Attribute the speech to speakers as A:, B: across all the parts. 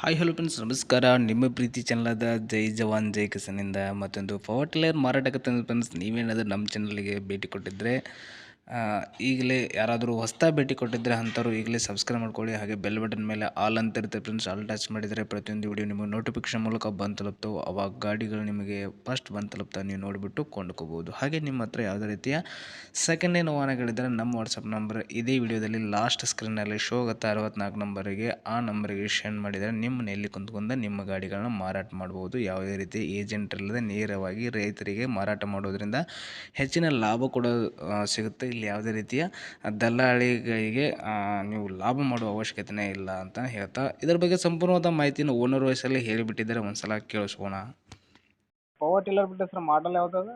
A: Hi hello friends ನಮಸ್ಕಾರ. ನಿಮ್ಮ ಪ್ರೀತಿ ಚಾನಲಾದ ಜೈ ಜವಾನ್ ಜೈ ಕಿಸನಿಂದ ಮತ್ತೊಂದು ಪವರ್ ಟಿಲ್ಲರ್ ಮಾರಾಟಕ್ಕೆ ತಂದ ಫ್ರೆಂಡ್ಸ್. ನೀವೇನಾದರೂ ನಮ್ಮ ಚಾನಲ್ಗೆ ಭೇಟಿ ಕೊಟ್ಟಿದ್ದರೆ ಈಗಲೇ ಯಾರಾದರೂ ಹೊಸ್ತಾ ಭೇಟಿ ಕೊಟ್ಟಿದ್ದರೆ ಅಂಥವ್ರು ಈಗಲೇ ಸಬ್ಸ್ಕ್ರೈಬ್ ಮಾಡ್ಕೊಳ್ಳಿ. ಹಾಗೆ ಬೆಲ್ ಬಟನ್ ಮೇಲೆ ಆಲ್ ಅಂತ ಇರುತ್ತೆ ಫ್ರೆಂಡ್ಸ್. ಆಲ್ ಟಚ್ ಮಾಡಿದರೆ ಪ್ರತಿಯೊಂದು ವಿಡಿಯೋ ನಿಮಗೆ ನೋಟಿಫಿಕೇಶನ್ ಮೂಲಕ ಬಂದು ತಲುಪ್ತವೆ. ಅವಾಗ ಗಾಡಿಗಳು ನಿಮಗೆ ಫಸ್ಟ್ ಬಂದು ತಲುಪ್ತಾ ನೀವು ನೋಡಿಬಿಟ್ಟು ಕೊಂಡ್ಕೋಬೋದು. ಹಾಗೆ ನಿಮ್ಮ ಹತ್ರ ಯಾವುದೇ ರೀತಿಯ ಸೆಕೆಂಡ್ ಹ್ಯಾಂಡ್ ವಾಹನಗಳಿದ್ದರೆ ನಮ್ಮ ವಾಟ್ಸಪ್ ನಂಬರ್ ಇದೇ ವಿಡಿಯೋದಲ್ಲಿ ಲಾಸ್ಟ್ ಸ್ಕ್ರೀನಲ್ಲಿ ಶೋ ಆಗುತ್ತೆ 64 ನಂಬರಿಗೆ. ಆ ನಂಬರಿಗೆ ಸೆಂಡ್ ಮಾಡಿದರೆ ನಿಮ್ಮ ಮನೆಯಲ್ಲಿ ಕುಂತ್ಕೊಂಡು ನಿಮ್ಮ ಗಾಡಿಗಳನ್ನ ಮಾರಾಟ ಮಾಡ್ಬೋದು. ಯಾವುದೇ ರೀತಿ ಏಜೆಂಟ್ ಇಲ್ಲದೆ ನೇರವಾಗಿ ರೈತರಿಗೆ ಮಾರಾಟ ಮಾಡೋದ್ರಿಂದ ಹೆಚ್ಚಿನ ಲಾಭ ಕೂಡ ಸಿಗುತ್ತೆ. ಇಲ್ಲಿ ಯಾವುದೇ ರೀತಿಯ ದಲ್ಲಾಳಿಗಳಿಗೆ ನೀವು ಲಾಭ ಮಾಡುವ ಅವಶ್ಯಕತೆಯೇ ಇಲ್ಲ ಅಂತ ಹೇಳ್ತಾ, ಇದರ ಬಗ್ಗೆ ಸಂಪೂರ್ಣವಾದ ಮಾಹಿತಿಯನ್ನು ಓನರ್ ವಯಸ್ಸಲ್ಲಿ ಹೇಳಿಬಿಟ್ಟಿದ್ದಾರೆ. ಒಂದ್ಸಲ ಕೇಳಿಸ್ಕೋಣ.
B: ಪವರ್ ಟಿಲ್ಲರ್ ಬಿಟ್ಟು ಸರ್ ಮಾಡಲ್ ಯಾವ್ದದ?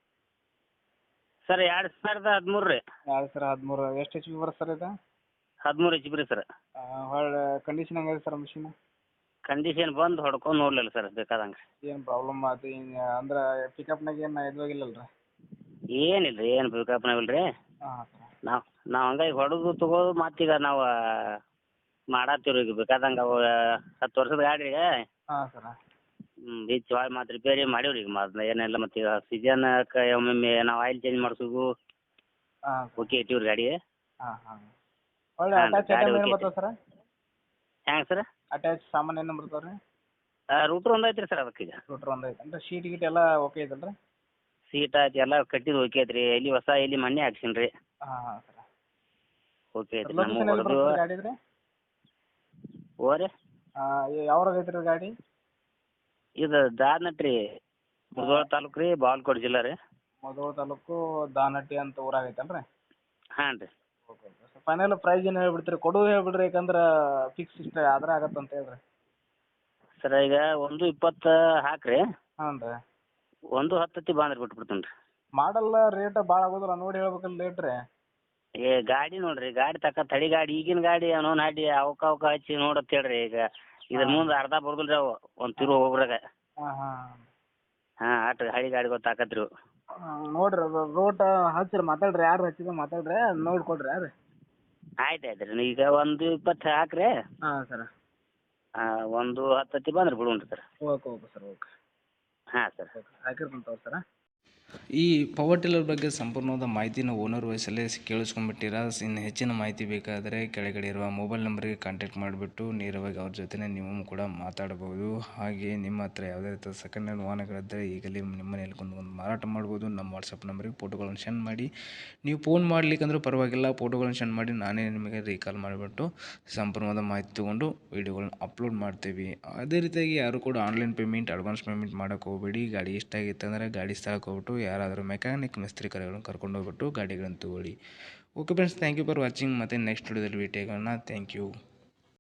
C: ಸರ್ 2013 ರೀ.
B: 2013 ಎಷ್ಟು ಎಚ್ ಪಿ ಬರುತ್ತೆ ಸರ್ ಇದು?
C: 13 ಎಚ್ ಪಿ ರೀ ಸರ್.
B: ಹೊಳ್ಳಿ ಕಂಡೀಷನ್ ಹೆಂಗಿದೆ ಸರ್ ಮಷೀನ್?
C: ಕಂಡೀಷನ್ ಬಂದು ಹೊಡ್ಕೊಂಡು ನೋಡ್ಲಿಲ್ಲ ಸರ್ ಬೇಕಾದಂಗೆ.
B: ಏನು ಪ್ರಾಬ್ಲಮ್ ಆಯ್ತು ಅಂದ್ರೆ ಪಿಕಪ್ನಾಗ ಏನು ಇದಾಗಿಲ್ಲಲ್ಲ ರೀ?
C: ಏನಿಲ್ಲ ರೀ, ಏನು ಪಿಕಪ್ನಾಗ ಇಲ್ಲ ರೀ.
B: ಹಾಂ ಸರ್.
C: ನಾವು ಹಂಗಾಗಿ ಹೊಡೆದು ತಗೋದು ಮತ್ತೀಗ ನಾವು ಮಾಡತ್ತೀವಿ ರೀ. ಈಗ ಬೇಕಾದಂಗೆ ಅವು 10 ವರ್ಷದ ಗಾಡಿ ರೀ.
B: ಹಾಂ ಸರ್.
C: ಬೀಚ್ ಒಳಗೆ ಮತ್ತೆ ರಿಪೇರಿ ಮಾಡೀವಿ ರೀ. ಈಗ ಮೊದ್ಲು ಏನಿಲ್ಲ, ಮತ್ತು ಈಗ ಸೀಸನ್ಕ್ಕೆ ಒಮ್ಮೊಮ್ಮೆ ನಾವು ಆಯಿಲ್ ಚೇಂಜ್ ಮಾಡಿಸೋದು
B: ಹಾಂ
C: ಓಕೆ ಇಟ್ಟಿವಿ ರೀ ಗಾಡಿ.
B: ಹಾಂ ಹಾಂ. ಹೊಳ್ಳಿ
C: ಹಾಂ,
B: ಅಟ್ಯಾಚ್
C: ಗಾಡಿ
B: ಐಟಮ್ ಏನು
C: ಓಕೆ
B: ಬರ್ತದೆ ಸರ್?
C: ಹ್ಯಾಂಗೆ ಸರ್?
B: ಅಟ್ಯಾಚ್ ಸಾಮಾನು ಏನು ಬರ್ತಾವೆ ರೀ?
C: ರೂಟ್ರ್ ಒಂದು ಐತೆ ರೀ ಸರ್ ಅದಕ್ಕೆ. ಈಗ
B: ರೂಟ್ರ್ ಒಂದು ಐತೆ ಅಂದ್ರೆ ಶೀಟ್ ಗೀಟ್ ಎಲ್ಲ ಓಕೆ ಐತಲ್ಲ ರೀ?
C: ಸೀಟ್ ಆಯ್ತು ಎಲ್ಲ ಕಟ್ಟಿದ್ದು ಓಕೆ ಐತೆ ರೀ. ಎಲ್ಲಿ ಹೊಸ ಎಲ್ಲಿ ಮಣ್ಣೆ ಹಾಕ್ಸೀನಿ ರೀ.
B: ಹಾಂ ಹಾಂ ಸರ್.
C: ಓಕೆ ಐತೆ
B: ಲೊಕೇಶನ್
C: ನಮ್ಮ
B: ಎಲ್ಲಿ
C: ಹೊಡೆದು
B: ಬರ್ತದೆ ಗಾಡಿ ರೀ?
C: ಓರಿ
B: ಯಾವ್ರಾಗ ಐತೆ ರೀ ಗಾಡಿ?
C: ಇದು ದಾರ್ನಟ್ ರೀ, ಮುಧೋಳ ತಾಲೂಕು ರೀ, ಬಾಗಲಕೋಟೆ ಜಿಲ್ಲಾ ರೀ.
B: ಮುಧೋಳ ತಾಲೂಕು ದಾನಟ್ಟಿ ಅಂತ ಊರಾಗ ಐತಲ್ಲ ರೀ?
C: ಹಾಂ ರೀ.
B: Okay okay sir. Final price ಏನು ಹೇಳ್ಬಿಡ್ತೀರಿ? ಕೊಡೋದು ಹೇಳ್ಬಿಡ್ರಿ, ಯಾಕಂದ್ರೆ ಫಿಕ್ಸ್ ಇಷ್ಟ ಆದ್ರೆ ಆಗತ್ತೆ ಅಂತ ಹೇಳ್ರಿ.
C: ಸರ್ ಈಗ 1.20 ಹಾಕ್ರಿ,
B: ಹಾಂ ರೀ.
C: 1.10 ಬಂದ್ರೆ ಬಿಟ್ಬಿಡ್ತೀನಿ ರೀ.
B: ಮಾಡಲ್ಲ ರೇಟ್ ಭಾಳ ಆಗೋದಿಲ್ಲ, ನೋಡಿ ಹೇಳ್ಬೇಕಲ್ಲ ರೇಟ್ ರೀ.
C: ಗಾಡಿ ನೋಡ್ರಿ, ಗಾಡಿ ತಡಿ ಗಾಡಿ ಈಗಿನ ಗಾಡಿ ಅವನು ನಾಡಿ ಅವಕ್ಕ ಹಚ್ಚಿ ನೋಡತ್ ಹೇಳ್ರಿ. ಈಗ ಇದ್ರ ಮುಂದೆ ಅರ್ಧ ಬರ್ದಿಲ್ಲ ರೀ ಅವು ಒಂದು ತಿರು ಹೋಗ್ರಾಗ.
B: ಹಾಂ ಹಾಂ
C: ಹಾಂ ಆಟ್ರಿ ಹಳಿ ಗಾಡಿ ಗೊತ್ತಾಕತ್ರಿ.
B: ನೋಡ್ರಿ ರೋಟ್ ಹಚ್ಚಿರಿ, ಮಾತಾಡ್ರಿ, ಯಾರು ಹಚ್ಚಿದ್ರೆ ಮಾತಾಡ್ರಿ, ನೋಡಿ ಕೊಡ್ರಿ ಯಾರು.
C: ಆಯ್ತು ಆಯ್ತು ರೀ. ಈಗ 1.20 ಹಾಕ್ರಿ.
B: ಹಾಂ ಸರ್.
C: 1.10 ಬಂದ್ರೆ ಬಿಡೋಣ ರೀ sir.
B: Okay okay sir. Okay
C: ಹಾಂ ಸರ್.
B: ಓಕೆ ಹಾಕಿರ್ತೀನಿ ತಗೋರಿ ಸರ್.
A: ಈ ಪವರ್ ಟಿಲ್ಲರ್ ಬಗ್ಗೆ ಸಂಪೂರ್ಣವಾದ ಮಾಹಿತಿನ ಓನರ್ ವಯಸ್ಸಲ್ಲೇ ಕೇಳಿಸ್ಕೊಂಡ್ಬಿಟ್ಟಿರ. ಇನ್ನು ಹೆಚ್ಚಿನ ಮಾಹಿತಿ ಬೇಕಾದರೆ ಕೆಳಗಡೆ ಇರುವ ಮೊಬೈಲ್ ನಂಬರಿಗೆ ಕಾಂಟ್ಯಾಕ್ಟ್ ಮಾಡಿಬಿಟ್ಟು ನೇರವಾಗಿ ಅವ್ರ ಜೊತೆ ನೀವು ಕೂಡ ಮಾತಾಡ್ಬೋದು. ಹಾಗೆ ನಿಮ್ಮ ಹತ್ರ ಯಾವುದೇ ರೀತಿಯ ಸೆಕೆಂಡ್ ಹ್ಯಾಂಡ್ ವಾಹನಗಳಿದ್ದರೆ ಈಗಲೇ ನಿಮ್ಮ ಮನೆಯಲ್ಲಿ ಕುಂತ್ಕೊಂಡು ಮಾರಾಟ ಮಾಡ್ಬೋದು. ನಮ್ಮ ವಾಟ್ಸಪ್ ನಂಬರಿಗೆ ಫೋಟೋಗಳನ್ನು ಸೆಂಡ್ ಮಾಡಿ, ನೀವು ಫೋನ್ ಮಾಡಲಿಕ್ಕಂದ್ರೂ ಪರವಾಗಿಲ್ಲ, ಫೋಟೋಗಳನ್ನು ಸೆಂಡ್ ಮಾಡಿ ನಾನೇ ನಿಮಗೆ ರೀಕಾಲ್ ಮಾಡಿಬಿಟ್ಟು ಸಂಪೂರ್ಣವಾದ ಮಾಹಿತಿ ತೊಗೊಂಡು ವೀಡಿಯೋಗಳನ್ನ ಅಪ್ಲೋಡ್ ಮಾಡ್ತೀವಿ. ಅದೇ ರೀತಿಯಾಗಿ ಯಾರು ಕೂಡ ಆನ್ಲೈನ್ ಪೇಮೆಂಟ್, ಅಡ್ವಾನ್ಸ್ ಪೇಮೆಂಟ್ ಮಾಡೋಕ್ಕೆ ಹೋಗಬೇಡಿ. ಗಾಡಿ ಇಷ್ಟ ಆಗಿತ್ತು ಅಂದರೆ ಗಾಡಿ ಸ್ಥಳಕ್ಕೆ ಹೋಗ್ಬಿಟ್ಟು ಯಾರಾದರೂ ಮೆಕ್ಯಾನಿಕ್ ಮಿಸ್ತ್ರಿ ಕರೆಗಳನ್ನು ಕರ್ಕೊಂಡು ಹೋಗ್ಬಿಟ್ಟು ಗಾಡಿಗಳನ್ನು ತಗೊಳ್ಳಿ. Okay friends, thank you for watching. ಮತ್ತು ನೆಕ್ಸ್ಟ್ ವಿಡಿಯೋದಲ್ಲಿ ಭೇಟಿಯಾಗೋಣ. Thank you.